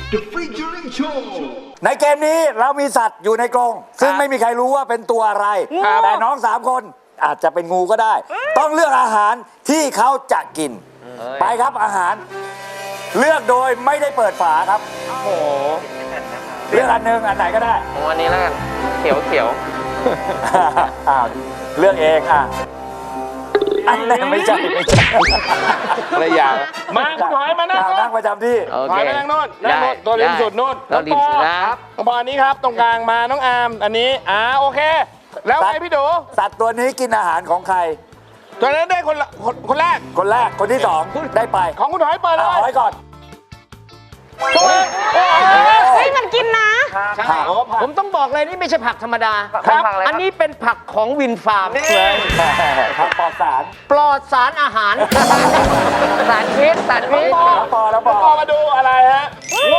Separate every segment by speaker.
Speaker 1: The Featuring Show
Speaker 2: ในเกมนี้เรามีสัตว์อยู่ในกรงซึ่งไม่มีใครรู้ว่าเป็นตัวอะไร แต่น้อง3 คนอาจจะเป็นงูก็ได้ ต้องเลือกอาหารที่เขาจะกิน ไปครับอาหาร เลือกโดยไม่ได้เปิดฝาครับ
Speaker 3: โอ้โห
Speaker 2: เลือกอันหนึงอันไหนก็ได้
Speaker 3: ผมอันนี้แล้วกัน เขียวเขียว
Speaker 2: อ้าวเลือกเองอ่ะอันนี้ไม่ใช่
Speaker 4: อะไรอย่างมาคุณหอยมานั่ง
Speaker 2: นั่งประจำที่
Speaker 3: โอ
Speaker 4: ห
Speaker 3: เค
Speaker 4: อยมานั่งโน่นนั่งโน่นตัวริมสุดโน่น
Speaker 3: เราริมสุดนะครับ
Speaker 4: น้องปออันนี้ครับตรงกลางมาน้องอาร์มอันนี้โอเค แล้วไงพี่ดู
Speaker 2: สัตว์ตัวนี้กินอาหารของใคร
Speaker 4: ตัวนั้นได้คนแรก
Speaker 2: คนแรกคนที่สองได้ไป
Speaker 4: ของคุณหอยเปิดเล
Speaker 2: เอา
Speaker 4: ย
Speaker 2: ไว้ก่อน
Speaker 4: ตัวเอง
Speaker 5: เฮ้ยมันกินนะ
Speaker 3: ใช่ผมต้องบอกเลยนี่ไม่ใช่ผักธรรมดา
Speaker 4: ครับ
Speaker 3: อันนี้เป็นผักของวินฟาร์ม
Speaker 2: ผักปลอดสาร
Speaker 3: ปลอดสารอาหาร สารพิษสารพิษ
Speaker 2: แล้วปอ
Speaker 4: น้องปอมาดูอะไรฮะ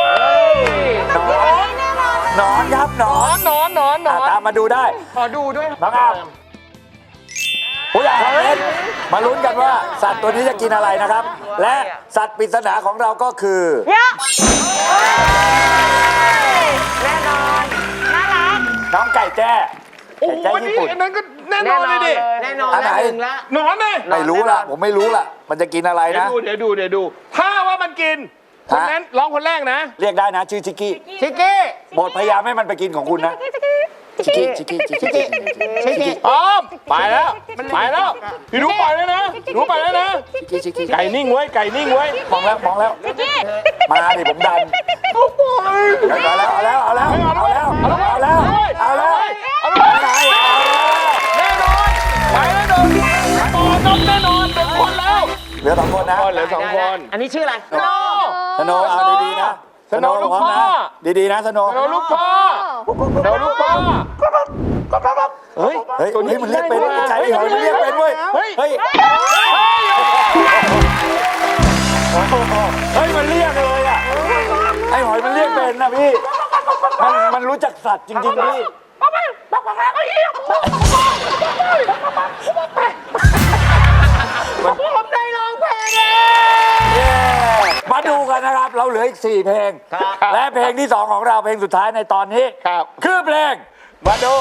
Speaker 2: หนอนครับหนอน
Speaker 4: นอน
Speaker 2: ตามมาดูได้
Speaker 3: ขอดูด้วย
Speaker 2: น้องอามผู้ใหญ่มาลุ้นกันว่าสัตว์ตัวนี้จะกินอะไรนะครับ และสัตว์ปริศนาของเราก็คือ
Speaker 5: เยอะแน่นอน น่ารัก
Speaker 2: น้องไก่แจ้
Speaker 4: โอ้โห
Speaker 2: ไก่
Speaker 4: อัน
Speaker 2: แจ้
Speaker 4: นี้
Speaker 2: ญี่ปุ่น
Speaker 4: อันนั้นก็แน่นอนเลยดิ
Speaker 3: แน่นอน
Speaker 2: อันไหน
Speaker 3: แล้วหนึ่งละ
Speaker 4: หนอนเลย
Speaker 2: ไม่รู้ล่ะผมไม่รู้ล่ะ มันจะกินอะไร
Speaker 4: เดี๋ยว
Speaker 2: นะ
Speaker 4: ดู ถ้าว่ามันกินคนนั้นร้องคนแรกนะ
Speaker 2: เรียกได้นะชื่อชิกกี้
Speaker 3: ชิกกี้
Speaker 2: โปรดพยายามให้มันไปกินของคุณนะชิกกี้ชิกกี้ชิกกี้ชิกกี้
Speaker 4: พร้อมไปแล้วพี่ดูไปแล้วนะดูไปแล้วนะ
Speaker 2: ชิกกี้
Speaker 4: ไก่นิ่งไว้ไก่นิ่งไว้
Speaker 2: มองแล้วมาดิผมดันเอาแล้วเอาแล้วไหน
Speaker 4: แน่นอนไปแล้วโดนปอน้องแน่นอนเป็นคนแล้ว
Speaker 2: เหลือ2 คนนะ
Speaker 4: เหลือ2 คน
Speaker 3: อันนี้ชื่ออะไร
Speaker 2: สโนเอาดีๆนะ
Speaker 4: สโนลูกพ่อ
Speaker 2: ดีๆนะสโน
Speaker 4: เดี๋ยวลูกพ่อเฮ้ย
Speaker 2: เฮ้ยมันเรียกเป็นใจหอยมันเรียกเป็นเว้ยเฮ้ยมันเรียกเลยอ่ะไอหอยมันเรียกเป็นนะพี่มันรู้จักสัตว์จริงๆพี่ผมได้ร้องเพลงมาดูกันนะครับ เราเหลืออีก4 เพลง และเพลงที่ 2 ของเราเพลงสุดท้ายในตอนนี้คือเพลงมาดู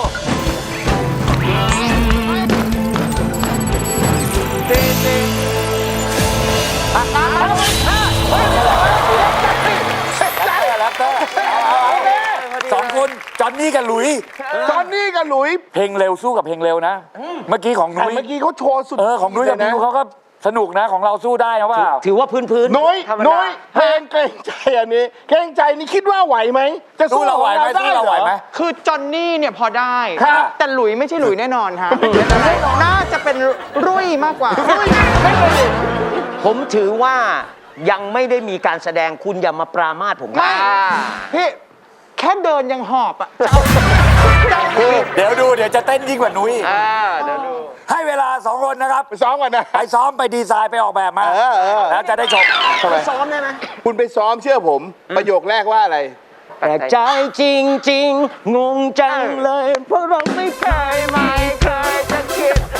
Speaker 2: 2 คนจอนนี่กับหลุย เพลงเร็วสู้กับเพลงเร็วนะ เมื่อกี้ของนุ้ย
Speaker 4: เมื่อกี้เขาโชว์สุด
Speaker 2: ของนุ้ยกับพิวเขาก็สนุกนะของเราสู้ได้นะว่า
Speaker 3: ถือว่าพื้น
Speaker 4: นุ้ยเพลงเกรงใจอันนี้เกรงใจนี่คิดว่าไหวไหมจะสู้เราไหวไหม
Speaker 6: คือจอนนี่เนี่ยพอได้
Speaker 4: ครับ
Speaker 6: แต่หลุยไม่ใช่หลุยแน่นอนฮะน่าจะเป็นรุ่ยมากกว่า
Speaker 3: ผมถือว่ายังไม่ได้มีการแสดงคุณอย่ามาปรามาสผมครับ
Speaker 6: พี่แค่เดินยังหอบอ่ะ
Speaker 2: เดี๋ยวจะเต้นยิ่งกว่านุ้ยให้เวลา2 คนนะครับ
Speaker 4: ไปซ้อมกันนะ
Speaker 2: ไปซ้อมไปดีไซน์ไปออกแบบมาแล้วจะได้ชม
Speaker 3: ซ้อมได้ไหม
Speaker 4: คุณไปซ้อมเชื่อผม ประโยคแรกว่าอะไร
Speaker 3: แปลกใจจริงๆ งงจังเลย เพราะเราไม่เคยจะคิด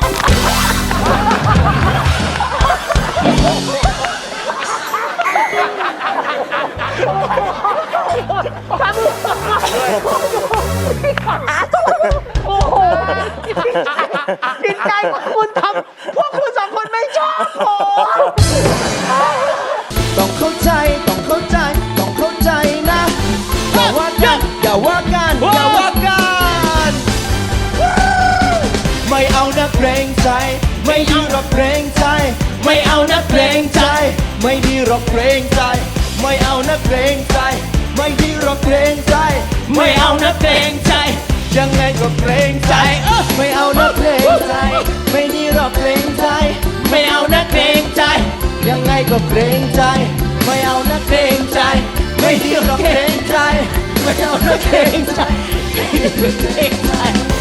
Speaker 3: โอ้โหจิตใจของคุณทำพวกคุณ2 คนไม่ชอบผม
Speaker 7: ต้องเข้าใจนะอย่าว่ากันไม่เอานะเกรงใจไม่ดีหรอกเกรงใจไม่เอานะเกรงใจไม่ดีหรอกเกรงใจไม่เอานะเกรงใจไม่ดีหรอกเกรงใจไม่เอานะเกรงใจยังไงก็เกรงใจไม่เอานะเกรงใจไม่ดีหรอกเกรงใจไม่เอานะเกรงใจยังไงก็เกรงใจไม่เอานะเกรงใจไม่ดีหรอกเกรงใจไม่เอานะเกรงใจเกรงใจ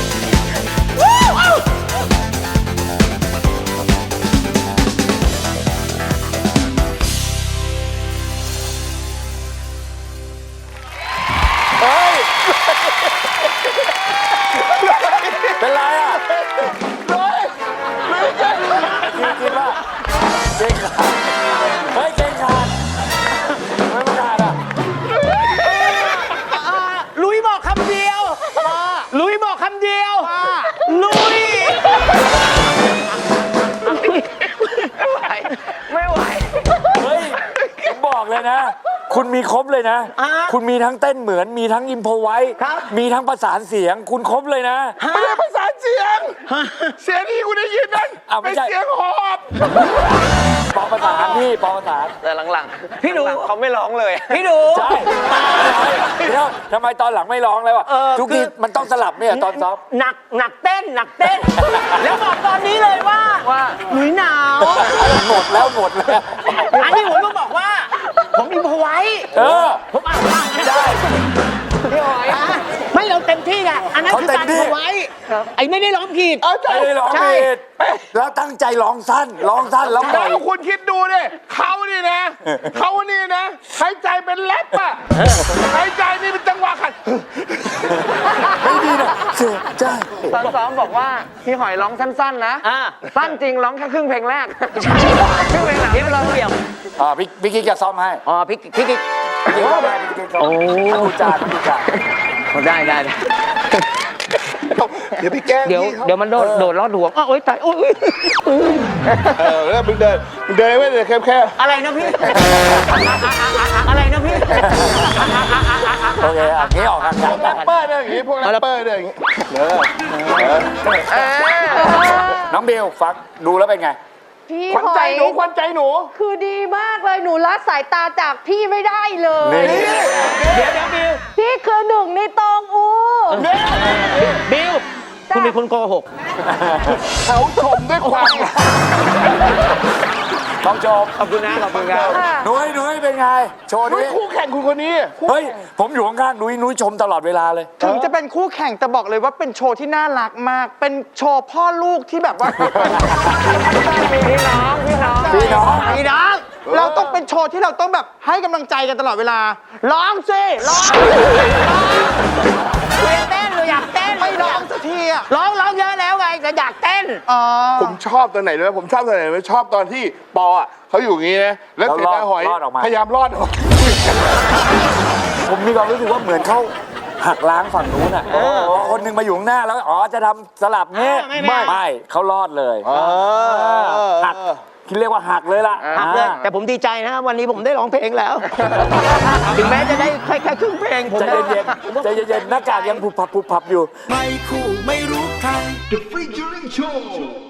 Speaker 2: เป็นไรอ่ะคิดว่าเก่งขาดเฮ้ยเก่งขาดไม่ขาดอ่ะเลยนะ คุณมีครบเลยนะ คุณมีทั้งเต้นเหมือน มีทั้งอิมโพไว้ มีทั้งประสานเสียง คุณครบเลยนะ
Speaker 4: ไม่ได้ประสานเสียง เสียงที่คุณได้ยินนั่น
Speaker 2: อ้าวไม่
Speaker 4: เป็น
Speaker 2: ใช่
Speaker 4: เสียงหอบ
Speaker 2: ปอประสานพี่ปอประสาน
Speaker 3: แต่หลังๆพี่ดูเขาไม่ร้องเลยพี่ดู
Speaker 2: ใช่เดี๋ยวทำไมตอนหลังไม่ร้องเลยวะทุกทีมันต้องสลับเนี่ยตอนซ้อม
Speaker 3: หนักเต้น แล้วบอกตอนนี้เลยว่าหนุยหนาว
Speaker 2: หมดแล้ว
Speaker 3: อันนี้ผมต้องบอกว่า ผมอิมพอไว้ ผมอ่านไม่ได้พี่หอยไม่เราเต็มที่ไงอันนั้นคือการพอไว้ไอ้ไม่ได้ร้องผิด
Speaker 2: ไม่ได้ร้องผิดแล้วตั้งใจร้องสั้นแล้วปล่
Speaker 4: แล้
Speaker 2: อยว
Speaker 4: คุณคิดดูดิเขานี่นะหายใจเป็นแรปอะหายใจนี่เป็นจังหวะขัด
Speaker 2: ไม่ดีนะเสียใจ
Speaker 6: ตอนซ้อมบอกว่าพี่หอยร้องสั้นๆนะ สั้นจริงร้องแค่ครึ่งเพลงแรก ครึ่งเพลงหลัง
Speaker 3: นี่เราเดี่ยว
Speaker 2: พี่กิ๊กจะซ้อมให้
Speaker 3: อ๋อพี่กิ๊ก
Speaker 2: พี่กิ๊กซ้อมให้พี่กิ๊กซ้อมให้ดูจาน
Speaker 3: ได้
Speaker 4: เดี๋ยวพี่แก้
Speaker 3: เดี๋ยวมันโดดลอดหัวโอ๊ยตายโอ๊ย
Speaker 4: แล้วมึงเดินไม่เลยแค่
Speaker 3: อะไรนะพี่ อะไรนะพี่
Speaker 2: โอเคอันนี้ออกอากาศ
Speaker 4: แรปเปอร์เนี่ยอย่างงี้พวกแรปเปอร์เนี่ยอย่างงี้
Speaker 2: น้องบิวฟังดูแล้วเป็นไง
Speaker 5: พี่
Speaker 4: ขวัญ
Speaker 5: ห
Speaker 4: ใจ
Speaker 5: อย
Speaker 4: หนูขวัญใจหนู
Speaker 5: คือดีมากเลยหนูละสายตาจากพี่ไม่ได้เลย
Speaker 2: นี่
Speaker 3: เดี๋ยวบิว
Speaker 5: พี่คือหนึ่งในตองอู
Speaker 3: บิวคุณเป็นคนโกหก
Speaker 4: เขาชมด้วยความ
Speaker 2: ต้องชม
Speaker 3: ขอบคุณนะขอบคุณครับ
Speaker 2: นุ้ยเป็นไง โชว์
Speaker 4: นุ้
Speaker 2: นี้
Speaker 4: ยคู่แข่งคุณคนนี้
Speaker 2: เฮ้ย ผมอยู่ข้างๆนุ้ยชมตลอดเวลาเลย
Speaker 6: ถึงจะเป็นคู่แข่งแต่บอกเลยว่าเป็นโชว์ที่น่ารักมาก เป็นโชว์พ่อลูกที่แบบว่า
Speaker 5: พี่น้อง
Speaker 2: พี่น้อง
Speaker 6: พี่น้องเราต้องเป็นโชว์ที่เราต้องแบบให้กำลังใจกันตลอดเวลา ร้องสิร้อง
Speaker 3: เต้นหรืออยากเต้น
Speaker 6: ไม่ร้องสักทีอ่ะ
Speaker 3: ร้องเยอะแล้วไงแต่อยากเต้น
Speaker 6: อ๋อ
Speaker 4: ผมชอบตอนไหนเลยผมชอบตอนไหนเลยชอบตอนที่ปออะเขาอยู่อย่างงี้นะแล้วเสร็จแล้วหอย
Speaker 2: รอดออกมา
Speaker 4: พยายามรอดออก
Speaker 2: ผมมีความรู้สึกว่าเหมือนเขาหักล้างฝั่งนู้นอ่ะคนหนึ่งมาอยู่ข้างหน้าแล้วจะทำสลับเงี้ยไม่เขารอดเลยหักที่เรียกว่าหักเลยล่ะ
Speaker 3: หักเลยแต่ผมดีใจนะวันนี้ผมได้ร้องเพลงแล้ว ถึงแม้จะได้แค่ครึ่งเพลงผม
Speaker 2: ใจเย็นหน้ากากยังผุบผับอยู่
Speaker 7: ไม่คู่ไม่รู้ใคร The Featuring Show